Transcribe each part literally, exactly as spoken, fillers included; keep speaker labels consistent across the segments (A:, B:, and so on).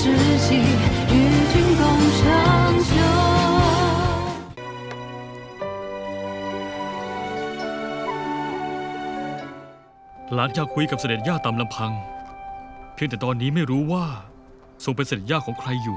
A: 知己，与君共长久。
B: หลานอยากคุยกับเสด็จย่าตามลำพังเพียงแต่ตอนนี้ไม่รู้ว่าทรงเป็นเสด็จย่าของใครอยู่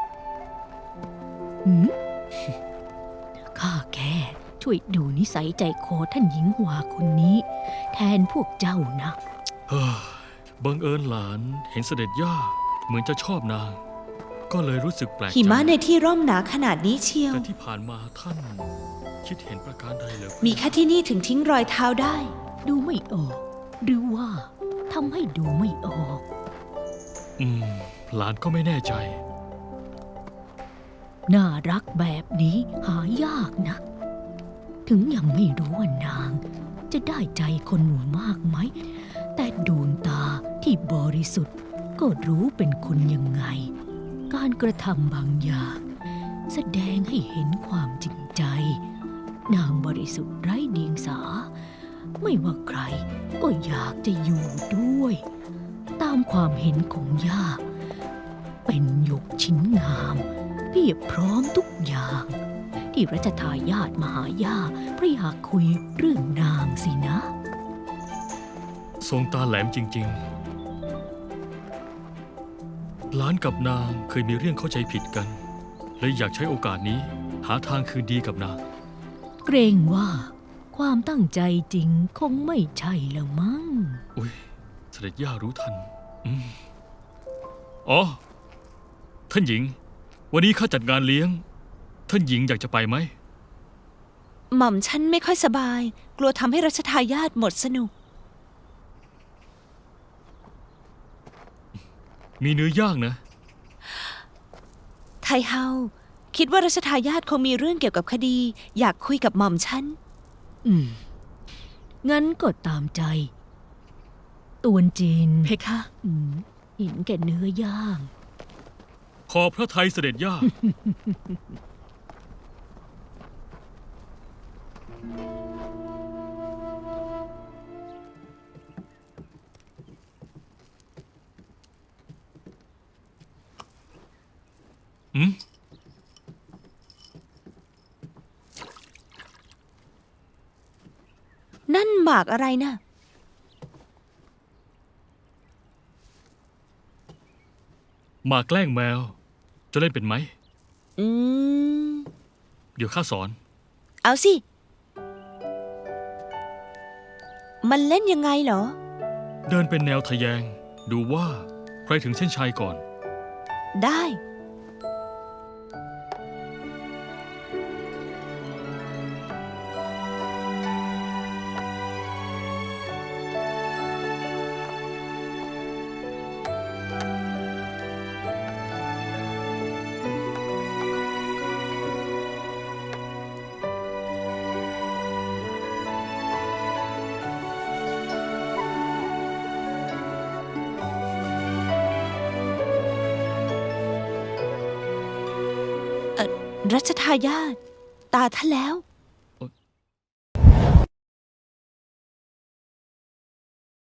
C: หืม ข้าแค่ช่วยดูนิสัยใจคอท่านหญิงหวาคนนี้ แทนพวกเจ้านะ
B: เฮ้ยบังเอิญหลานเห็นเสด็จย่าเหมือนจะชอบนาง ก็เลยรู้สึกแปลกใจ
D: หิมะในที่ร่มหนาขนาดนี้เชียว
B: แต่ที่ผ่านมาท่านคิดเห็นประการใดเหรอ
D: มีแค่ที่นี่ถึงทิ้งรอยเท้าได้
C: ดูไม่ออก หรือว่าทำให้ดูไม่ออก
B: อืมหลานก็ไม่แน่ใจ
C: น่ารักแบบนี้หายากนะ ถึงยังไม่รู้ว่านาง จะได้ใจคนหมู่มากไหม แต่ดวงตาที่บริสุทธิ์ก็รู้เป็นคนยังไง การกระทำบางอย่าง แสดงให้เห็นความจริงใจ นางบริสุทธิ์ไร้เดียงสา ไม่ว่าใครก็อยากจะอยู่ด้วย ตามความเห็นของย่า เป็นหยกชิ้นงามเพียบพร้อมทุกอย่าง ที่รัชทายาทมาหาย่าเพราะอยากคุยเรื่องนางสินะ
B: ทรงตาแหลมจริงๆ หลานกับนางเคยมีเรื่องเข้าใจผิดกันเลยอยากใช้โอกาสนี้หาทางคืนดีกับนาง
C: เกรงว่าความตั้งใจจริงคงไม่ใช่ละมั้ง
B: อุ้ยเสด็จย่ารู้ทันอืมอ๋อ ท่านหญิง วันนี้ข้าจัดงานเลี้ยง ท่านหญิงอยากจะไปไหม
D: หม่อมฉันไม่ค่อยสบาย กลัวทำให้รัชทายาทหมดสนุก
B: มีเนื้อย่างนะ
D: ไทเฮาคิดว่ารัชทายาทคงมีเรื่องเกี่ยวกับคดี อยากคุยกับหม่อมฉัน
C: อืม งั้นก็ตามใจ ตวนจีน
D: เพคะ
C: อืมเห็นแก่เนื้อย่าง
B: ขอพระทัยเสด็จย่า อืม
D: นั่นหมากอะไรนะ
B: มาแกล้งแมว จะเล่นเป็นไหม
D: อืม
B: เดี๋ยวข้าสอน
D: เอาสิ มันเล่นยังไงเหรอ
B: เดินเป็นแนวทะแยง ดูว่าใครถึงเส้นชัยก่อน
D: ได้ รัชทายาทตาท่านแล้ว